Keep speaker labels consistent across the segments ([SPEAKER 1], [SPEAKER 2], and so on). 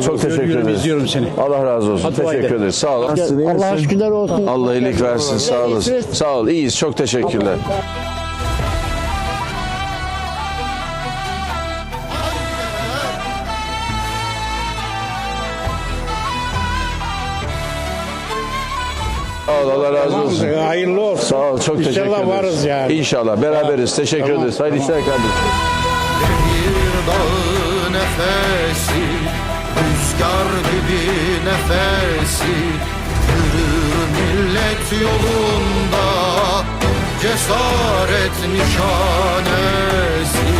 [SPEAKER 1] Çok teşekkür ederim.
[SPEAKER 2] İzliyorum seni.
[SPEAKER 1] Allah razı olsun.
[SPEAKER 2] Hadi
[SPEAKER 1] Teşekkür ederiz. Sağ ol. Nasılsın, iyi
[SPEAKER 3] Allah'a
[SPEAKER 1] misin?
[SPEAKER 3] şükürler olsun.
[SPEAKER 1] Allah iyilik versin. Sağ olasın. Sağ ol. İyiyiz. Çok teşekkürler. Sağ ol. Allah razı olsun.
[SPEAKER 2] Hayırlı olsun.
[SPEAKER 1] Sağ ol. Çok teşekkür ederiz.
[SPEAKER 2] İnşallah varız yani.
[SPEAKER 1] İnşallah. Beraberiz. Teşekkür ederiz. Hayırlı işler kardeşim.
[SPEAKER 4] Bir dağ nefesi, rüzgar gibi nefesi, yürür millet yolunda, cesaret nişanesi.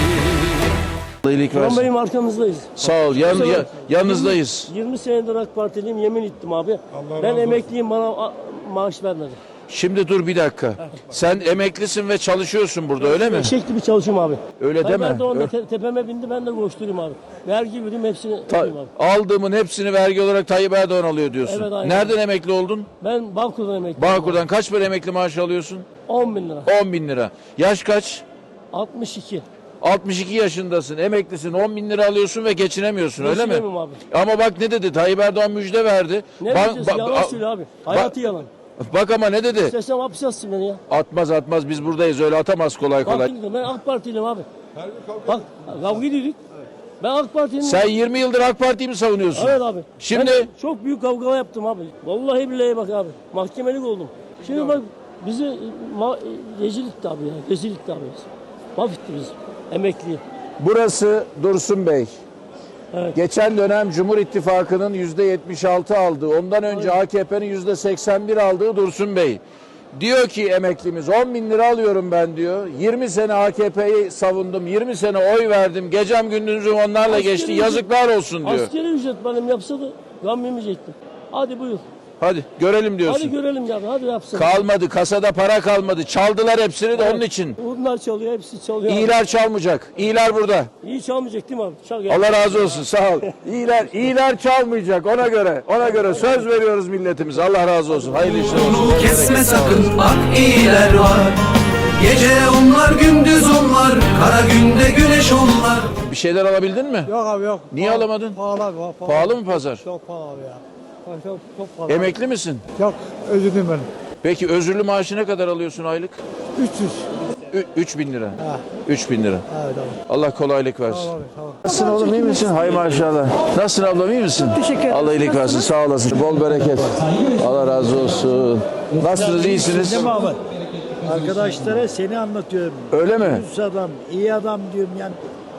[SPEAKER 1] Allah iyilik
[SPEAKER 3] Şu an
[SPEAKER 1] versin.
[SPEAKER 3] benim arkamızdayız.
[SPEAKER 1] Sağ ol. Yanınızdayız.
[SPEAKER 3] 20 senedir AK Partiliyim, yemin ettim abi. Ben emekliyim, bana maaş vermedi.
[SPEAKER 1] Şimdi dur bir dakika. Sen emeklisin ve çalışıyorsun burada öyle mi?
[SPEAKER 3] Eşek gibi çalışıyorum abi.
[SPEAKER 1] Öyle deme.
[SPEAKER 3] Ben de onda tepeme bindi, ben de koşturayım abi. Vergi vereyim, hepsini yapayım abi.
[SPEAKER 1] Aldığımın hepsini vergi olarak Tayyip Erdoğan alıyor diyorsun.
[SPEAKER 3] Evet, aynen.
[SPEAKER 1] Nereden emekli oldun?
[SPEAKER 3] Ben Bağkur'dan emekliyim.
[SPEAKER 1] Bağkur'dan kaç para emekli maaşı alıyorsun?
[SPEAKER 3] 10 bin lira.
[SPEAKER 1] 10 bin lira. Yaş kaç?
[SPEAKER 3] 62.
[SPEAKER 1] 62 yaşındasın, emeklisin, 10 bin lira alıyorsun ve geçinemiyorsun öyle mi?
[SPEAKER 3] Geçinemiyorum abi.
[SPEAKER 1] Ama bak ne dedi, Tayyip Erdoğan müjde verdi.
[SPEAKER 3] Ne diyeceğiz? Yalan söyle abi. Hayatı yalan.
[SPEAKER 1] Bak ama ne dedi?
[SPEAKER 3] İstesem hapis yatsın beni ya.
[SPEAKER 1] Atmaz biz buradayız, öyle atamaz kolay
[SPEAKER 3] Bak
[SPEAKER 1] kolay.
[SPEAKER 3] dedim, ben AK Partiliyim abi. Bak kavga ediyorduk. Ben AK Partiliyim.
[SPEAKER 1] Sen 20 yıldır AK Parti'yi mi savunuyorsun?
[SPEAKER 3] Evet abi.
[SPEAKER 1] Şimdi-
[SPEAKER 3] Ben çok büyük kavga yaptım abi. Vallahi billahi bak abi. Mahkemelik oldum. Şimdi bak bizi rezil etti abi ya. Rezil etti abi. Mahvetti bizi. Emekli.
[SPEAKER 1] Burası Dursun Bey.
[SPEAKER 3] Evet.
[SPEAKER 1] Geçen dönem Cumhur İttifakı'nın %76 aldığı, ondan önce AKP'nin %81 aldığı Dursun Bey. Diyor ki emeklimiz 10 bin lira alıyorum ben diyor. 20 sene AKP'yi savundum, 20 sene oy verdim. Gecem gündüzüm onlarla geçti. Yazıklar olsun diyor.
[SPEAKER 3] Askeri ücret benim yapsa da gam yemeyecektim. Hadi buyur.
[SPEAKER 1] Hadi görelim diyorsun.
[SPEAKER 3] Hadi görelim ya. Hadi yapsın.
[SPEAKER 1] Kalmadı, kasada para kalmadı. Çaldılar hepsini de onun için.
[SPEAKER 3] Bunlar çalıyor, hepsi çalıyor.
[SPEAKER 1] İyiler çalmayacak. İyiler burada.
[SPEAKER 3] İyi çalmayacak değil mi abi? Çal ya.
[SPEAKER 1] Allah razı olsun, sağ ol. İyiler çalmayacak, ona göre söz veriyoruz milletimize. Allah razı olsun. Hayırlı işler olsun.
[SPEAKER 5] Yolunu kesme sakın, bak iyiler var. Gece onlar, gündüz onlar, kara günde güneş onlar.
[SPEAKER 1] Bir şeyler alabildin mi?
[SPEAKER 6] Yok abi yok.
[SPEAKER 1] Niye alamadın?
[SPEAKER 6] Pahalı abi.
[SPEAKER 1] Pahalı mı pazar?
[SPEAKER 6] Çok pahalı abi ya. Çok pahalı.
[SPEAKER 1] Emekli misin?
[SPEAKER 6] Yok, özledim ben.
[SPEAKER 1] Peki özürlü maaşı ne kadar alıyorsun aylık?
[SPEAKER 6] 300.
[SPEAKER 1] 3 bin lira.
[SPEAKER 6] Ha.
[SPEAKER 1] 3 bin lira.
[SPEAKER 6] Evet abi.
[SPEAKER 1] Allah kolaylık versin.
[SPEAKER 6] Tamam abi, tamam.
[SPEAKER 1] Nasılsın oğlum, iyi misin? Hay maşallah. Nasılsın ablam, iyi misin? Teşekkür ederim. Allah iyilik versin, sağ olasın. Bol bereket. Allah razı olsun. Nasılsınız, iyisiniz?
[SPEAKER 7] Arkadaşlara seni anlatıyorum.
[SPEAKER 1] Öyle mi?
[SPEAKER 7] Düz adam, iyi adam diyorum yani.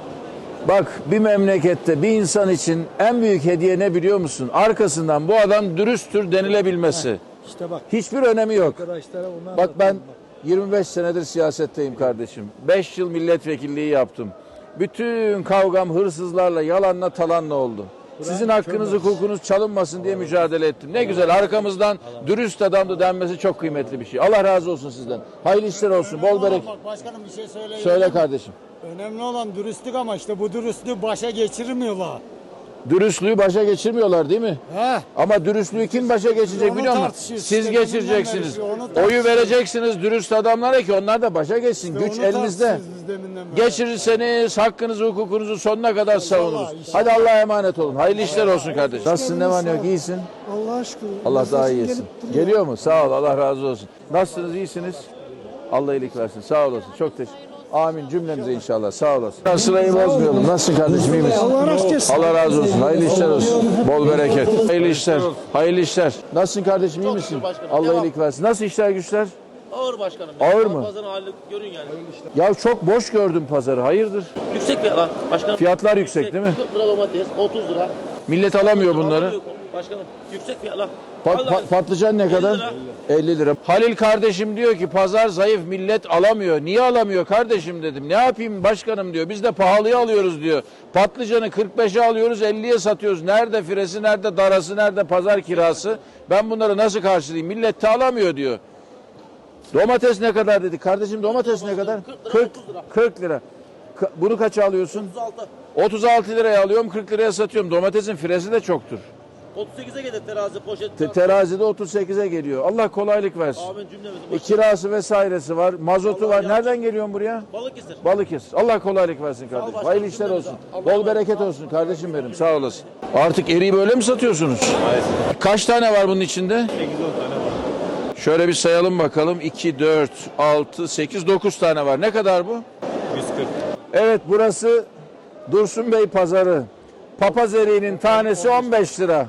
[SPEAKER 1] Bak, bir memlekette bir insan için en büyük hediye ne biliyor musun? Arkasından bu adam dürüsttür denilebilmesi.
[SPEAKER 7] İşte bak
[SPEAKER 1] Hiçbir önemi yok.
[SPEAKER 7] arkadaşlara onu
[SPEAKER 1] Bak ben
[SPEAKER 7] anlatıyorum
[SPEAKER 1] 25 senedir siyasetteyim kardeşim. 5 yıl milletvekilliği yaptım. Bütün kavgam hırsızlarla, yalanla, talanla oldu. Sizin hakkınız, hukukunuz çalınmasın diye mücadele ettim. Ne güzel, arkamızdan dürüst adamdı denmesi çok kıymetli bir şey. Allah razı olsun sizden. Hayırlı işler olsun, bol bereket.
[SPEAKER 6] Başkanım bir şey söyleyeyim.
[SPEAKER 1] Söyle kardeşim.
[SPEAKER 6] Önemli olan dürüstlük ama işte bu dürüstlüğü başa geçirmiyorlar.
[SPEAKER 1] Dürüstlüğü başa geçirmiyorlar değil mi?
[SPEAKER 6] He.
[SPEAKER 1] Ama dürüstlüğü kim başa geçecek
[SPEAKER 6] Onu
[SPEAKER 1] biliyor musun?
[SPEAKER 6] tartışıyoruz.
[SPEAKER 1] Siz
[SPEAKER 6] İşte
[SPEAKER 1] geçireceksiniz.
[SPEAKER 6] deminden beri onu tartışıyoruz.
[SPEAKER 1] Oyu vereceksiniz dürüst adamlara ki onlar da başa geçsin. Güç
[SPEAKER 6] Onu
[SPEAKER 1] elinizde.
[SPEAKER 6] tartışıyoruz biz deminden beri.
[SPEAKER 1] Geçirirseniz hakkınızı, hukukunuzu sonuna kadar savunuruz. Hadi Allah'a emanet olun. Hayırlı işler olsun kardeşim. Nasılsın, ne var ne yok, iyisin?
[SPEAKER 6] Allah'a şükür.
[SPEAKER 1] Allah daha iyi etsin. Geliyor mu? Sağ ol, Allah razı olsun. Nasılsınız, iyisiniz? Allah iyilik versin. Sağ olasın. Çok teşekkür. Amin cümlemize inşallah. Sağ olasın. Sırayı bozmayalım. Nasılsın kardeşim, iyi misin? Allah razı olsun. Hayırlı işler olsun. Bol bereket. Hayırlı işler. Hayırlı işler. Nasılsın kardeşim, iyi misin? Allah iyilik versin. Nasıl işler güçler?
[SPEAKER 8] Ağır başkanım.
[SPEAKER 1] Ağır mı?
[SPEAKER 8] Pazarın halini görün yani.
[SPEAKER 1] Ya çok boş gördüm pazarı. Hayırdır?
[SPEAKER 8] Yüksek fiyatlar başkanım.
[SPEAKER 1] Fiyatlar yüksek değil mi?
[SPEAKER 8] 40 lira domates, 30 lira.
[SPEAKER 1] Millet alamıyor bunları.
[SPEAKER 8] Alamıyor başkanım. Yüksek fiyatlar.
[SPEAKER 1] Patlıcan ne kadar?
[SPEAKER 8] lira.
[SPEAKER 1] 50 lira. Halil kardeşim diyor ki pazar zayıf, millet alamıyor. Niye alamıyor kardeşim dedim. Ne yapayım başkanım diyor. Biz de pahalıya alıyoruz diyor. Patlıcanı 45'e alıyoruz, 50'ye satıyoruz. Nerede firesi, nerede darası, nerede pazar kirası? Ben bunları nasıl karşılayayım? Millet de alamıyor diyor. Domates ne kadar dedi. Kardeşim domates ne kadar? 40 lira. Bunu kaça alıyorsun?
[SPEAKER 8] 36.
[SPEAKER 1] 36 liraya alıyorum, 40 liraya satıyorum. Domatesin firesi de çoktur.
[SPEAKER 8] 38'e gelir terazi poşet.
[SPEAKER 1] Terazide 38'e geliyor. Allah kolaylık versin.
[SPEAKER 8] Amin cümlemizin.
[SPEAKER 1] Kirası vesairesi var, mazotu var. Nereden geliyorsun buraya?
[SPEAKER 8] Balıkesir.
[SPEAKER 1] Balıkesir. Allah kolaylık versin kardeşim.
[SPEAKER 8] başkanım,
[SPEAKER 1] Hayırlı işler
[SPEAKER 8] cümlemize.
[SPEAKER 1] olsun.
[SPEAKER 8] Allah
[SPEAKER 1] Bol bereket olsun kardeşim benim. Sağ olasın. Artık eriği böyle mi satıyorsunuz? Kaç tane var bunun içinde? 8-10 tane var. Şöyle bir sayalım bakalım. 2, 4, 6, 8, 9 tane var. Ne kadar bu? 140. Evet, burası Dursun Bey pazarı. Papaz eriğinin tanesi 15 lira.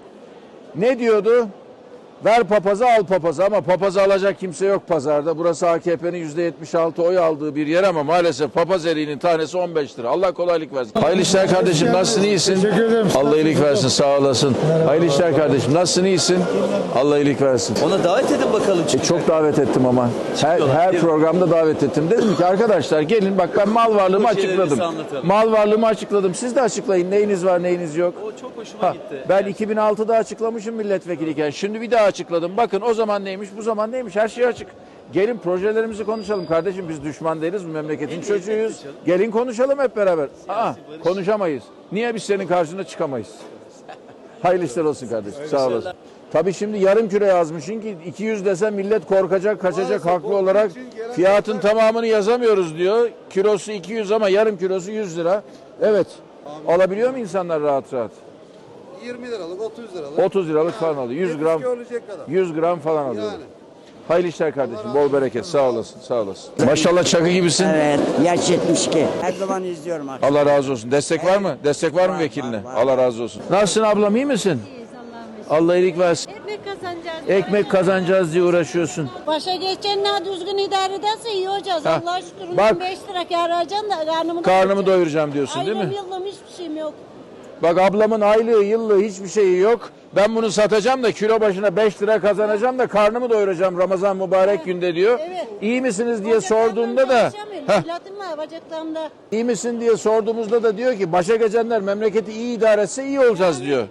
[SPEAKER 1] Ne diyordu? Ver papazı al papazı, ama papazı alacak kimse yok pazarda. Burası AKP'nin %76 oy aldığı bir yer ama maalesef papaz eriğinin tanesi 15 lira. Allah kolaylık versin. Hayırlı işler kardeşim, nasılsın, iyisin?
[SPEAKER 6] Teşekkür ederim.
[SPEAKER 1] Allah iyilik versin, sağ olasın. Hayırlı işler kardeşim, nasılsın, iyisin? Allah iyilik versin.
[SPEAKER 2] Ona davet edin bakalım.
[SPEAKER 1] Çok davet ettim ama. Her programda davet ettim. Dedim ki arkadaşlar gelin, bak ben mal varlığımı açıkladım. Mal varlığımı açıkladım. Siz de açıklayın, neyiniz var neyiniz yok.
[SPEAKER 2] O çok hoşuma gitti.
[SPEAKER 1] Ben 2006'da açıklamışım milletvekiliyken. Şimdi bir daha açıkladım. Bakın o zaman neymiş, bu zaman neymiş, her şey açık. Gelin projelerimizi konuşalım kardeşim. Biz düşman değiliz, bu memleketin çocuğuyuz. Gelin konuşalım hep beraber. Konuşamayız. Niye biz senin karşına çıkamayız? Hayırlı işler olsun kardeşim. Sağ olasın. Tabii şimdi yarım kilo yazmışsın ki 200 desen millet korkacak, kaçacak haklı olarak. Fiyatın tamamını yazamıyoruz diyor. Kilosu 200 ama yarım kilosu 100 lira. Evet. Alabiliyor mu insanlar rahat rahat?
[SPEAKER 9] 20 liralık, 30 liralık.
[SPEAKER 1] 30 liralık falan alıyor. 100 gram.
[SPEAKER 9] Olacak kadar.
[SPEAKER 1] 100 gram falan alıyor.
[SPEAKER 9] Yani.
[SPEAKER 1] Hayırlı işler kardeşim. Bol bereket. Sağ olasın. Sağ olasın. Maşallah çakı gibisin.
[SPEAKER 10] Evet, yaş 72. Her zaman izliyorum akşam.
[SPEAKER 1] Allah razı olsun. Destek var mı? Destek var mı vekiline? Allah razı olsun. Nasılsın ablam, iyi misin? Allah iyilik versin.
[SPEAKER 11] Ekmek kazanacağız.
[SPEAKER 1] Ekmek kazanacağız diye uğraşıyorsun.
[SPEAKER 11] Başa geçenler düzgün idare ederse iyi olacağız.
[SPEAKER 1] Ha,
[SPEAKER 11] Allah'a şükür.
[SPEAKER 1] bak.
[SPEAKER 11] 5 lira kâr harcayacağım da
[SPEAKER 1] Karnımı doyuracağım diyorsun değil mi?
[SPEAKER 11] Aylığım yıllığım hiçbir şeyim yok.
[SPEAKER 1] Bak ablamın aylığı yıllığı hiçbir şeyi yok. Ben bunu satacağım da kilo başına 5 lira kazanacağım da karnımı doyuracağım Ramazan mübarek günde diyor.
[SPEAKER 11] Evet.
[SPEAKER 1] İyi misiniz diye sorduğumda da
[SPEAKER 11] İlatim var bacaklarımda.
[SPEAKER 1] iyi misin diye sorduğumuzda da diyor ki başa geçenler memleketi iyi idare etse iyi olacağız diyor.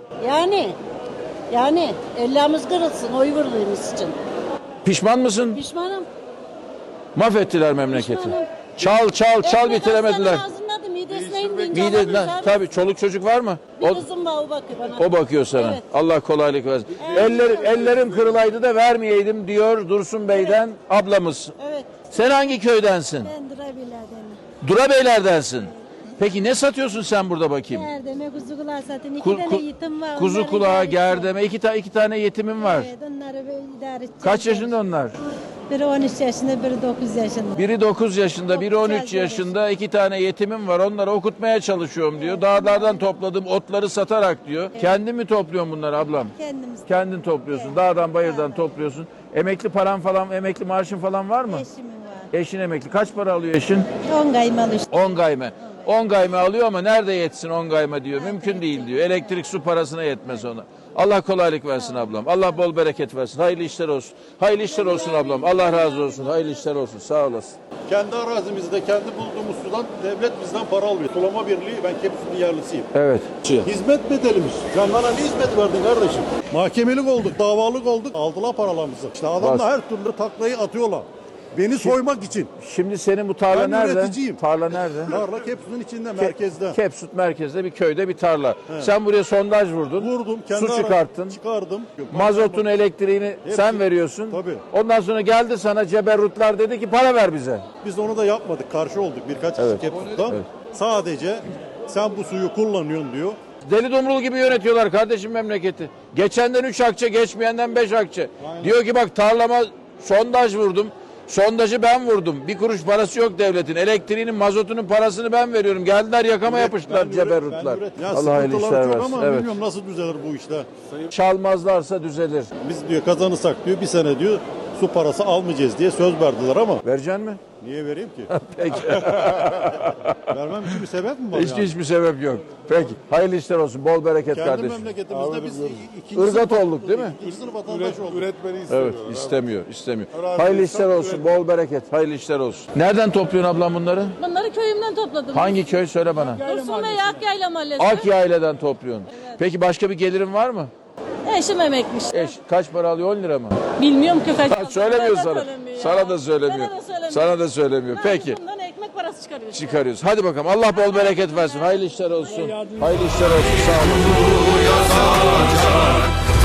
[SPEAKER 11] Yani ellerimiz kırılsın oy verdiğimiz için.
[SPEAKER 1] Pişman mısın?
[SPEAKER 11] Pişmanım.
[SPEAKER 1] Mahvettiler memleketi.
[SPEAKER 11] Pişmanım.
[SPEAKER 1] Çal bitiremediler.
[SPEAKER 11] Ağzımda midesine indiğince
[SPEAKER 1] Mideden tabii çoluk çocuk var mı?
[SPEAKER 11] Bir kızım var o bakıyor bana.
[SPEAKER 1] O bakıyor sana.
[SPEAKER 11] Evet.
[SPEAKER 1] Allah kolaylık versin. Ellerim kırılaydı da vermeyeydim diyor Dursun Bey'den ablamız.
[SPEAKER 11] Evet.
[SPEAKER 1] Sen hangi köydensin?
[SPEAKER 11] Ben Durabiler'den.
[SPEAKER 1] Durabeylerdensin. Peki ne satıyorsun sen burada bakayım?
[SPEAKER 11] Gerdeme kuzu kulağı satın. İki
[SPEAKER 1] Ku-
[SPEAKER 11] tane
[SPEAKER 1] ku-
[SPEAKER 11] yetim var.
[SPEAKER 1] Kuzu
[SPEAKER 11] onları
[SPEAKER 1] kulağı,
[SPEAKER 11] idare edeceğim.
[SPEAKER 1] gerdeme, iki tane yetimim var.
[SPEAKER 11] Evet onları böyle idare edeceğim.
[SPEAKER 1] Kaç yaşında onlar?
[SPEAKER 11] Biri 13 yaşında, biri 9 yaşında.
[SPEAKER 1] Biri 9 yaşında, biri 13
[SPEAKER 11] Okutacağız
[SPEAKER 1] yaşında. 2 tane yetimim var. Onları okutmaya çalışıyorum diyor. Dağlardan topladığım otları satarak diyor. Kendin mi topluyorsun bunları ablam?
[SPEAKER 11] Kendimiz.
[SPEAKER 1] Kendin topluyorsun. Dağdan bayırdan topluyorsun. Emekli paran falan, emekli maaşın falan var mı?
[SPEAKER 11] Eşimin var.
[SPEAKER 1] Eşin emekli. Kaç para alıyor eşin?
[SPEAKER 11] 10 kaymalı işte.
[SPEAKER 1] 10 gayme. 10 gayme alıyor ama nerede yetsin 10 gayme diyor. Mümkün değil diyor. Elektrik su parasına yetmez ona. Allah kolaylık versin ablam. Allah bol bereket versin. Hayırlı işler olsun. Hayırlı işler olsun ablam. Allah razı olsun. Hayırlı işler olsun. Sağ olasın.
[SPEAKER 9] Kendi arazimizde, kendi bulduğumuz sudan devlet bizden para alıyor. Sulama Birliği, ben Kepsü'nün yerlisiyim.
[SPEAKER 1] Evet.
[SPEAKER 9] Hizmet bedelimiz. Sen bana ne hizmet verdin kardeşim? Mahkemelik olduk, davalık olduk. Aldılar paralarımızı. İşte adamlar her türlü taklayı atıyorlar. Beni soymak için.
[SPEAKER 1] Şimdi senin bu tarla
[SPEAKER 9] Ben
[SPEAKER 1] nerede?
[SPEAKER 9] üreticiyim.
[SPEAKER 1] Tarla nerede?
[SPEAKER 9] Tarla Kepsü'nün içinde, merkezde.
[SPEAKER 1] Kepsut merkezde bir köyde bir tarla. Sen buraya sondaj vurdun.
[SPEAKER 9] Vurdum, kendi
[SPEAKER 1] Su çıkarttın.
[SPEAKER 9] Çıkardım.
[SPEAKER 1] Mazotun, elektriğini sen veriyorsun.
[SPEAKER 9] Tabii.
[SPEAKER 1] Ondan sonra geldi sana ceberrutlar dedi ki para ver bize.
[SPEAKER 9] Biz onu da yapmadık. Karşı olduk birkaç kişi Kepsü'de.
[SPEAKER 1] Evet.
[SPEAKER 9] Sadece sen bu suyu kullanıyorsun diyor.
[SPEAKER 1] Deli dumrul gibi yönetiyorlar kardeşim memleketi. Geçenden 3 akçe, geçmeyenden 5 akçe. Diyor ki bak tarlama sondaj vurdum. Sondajı ben vurdum. Bir kuruş parası yok devletin. Elektriğinin, mazotunun parasını ben veriyorum. Geldiler yakama yapıştılar ceberrutlar. Allah hayırlı işler versin.
[SPEAKER 9] Ama
[SPEAKER 1] Evet.
[SPEAKER 9] bilmiyorum nasıl düzelir bu işler.
[SPEAKER 1] Çalmazlarsa düzelir.
[SPEAKER 9] Biz diyor kazanırsak diyor bir sene diyor su parası almayacağız diye söz verdiler ama
[SPEAKER 1] Vereceksin mi?
[SPEAKER 9] niye vereyim ki?
[SPEAKER 1] Peki.
[SPEAKER 9] Vermem için bir sebep mi var
[SPEAKER 1] Hiçbir sebep yok. Peki. Hayırlı işler olsun. Bol bereket
[SPEAKER 9] Kendi
[SPEAKER 1] kardeşim.
[SPEAKER 9] memleketimizde biz ikinci
[SPEAKER 1] Irgat
[SPEAKER 9] sınıf-
[SPEAKER 1] olduk değil mi?
[SPEAKER 9] İkinci sınıf vatandaş olduk.
[SPEAKER 2] Üretmeni
[SPEAKER 1] Evet, istemiyor. Hayırlı işler olsun. Bol bereket. Hayırlı işler olsun. Nereden topluyorsun ablam bunları?
[SPEAKER 11] Bunları köyümden topladım.
[SPEAKER 1] Hangi köy söyle bana.
[SPEAKER 11] Dursun Bey Akyayla Mahallesi.
[SPEAKER 1] Akyayle'den topluyorsun. Peki başka bir gelirin var mı?
[SPEAKER 11] Eşim emekmiş.
[SPEAKER 1] Eş kaç para alıyor? 10 lira mı?
[SPEAKER 11] Bilmiyorum ki kaç.
[SPEAKER 1] Söylemiyor
[SPEAKER 11] Bana da
[SPEAKER 1] sana.
[SPEAKER 11] söylemiyor ya.
[SPEAKER 1] Sana da söylemiyor.
[SPEAKER 11] Bana da söylemiyor.
[SPEAKER 1] Sana da söylemiyor.
[SPEAKER 11] Ben
[SPEAKER 1] Peki.
[SPEAKER 11] bundan ekmek parası çıkarıyoruz.
[SPEAKER 1] Çıkarıyoruz. Hadi bakalım. Allah bol bereket versin. Hayırlı işler olsun. Hayırlı işler olsun. Sağ olun.
[SPEAKER 4] yazacak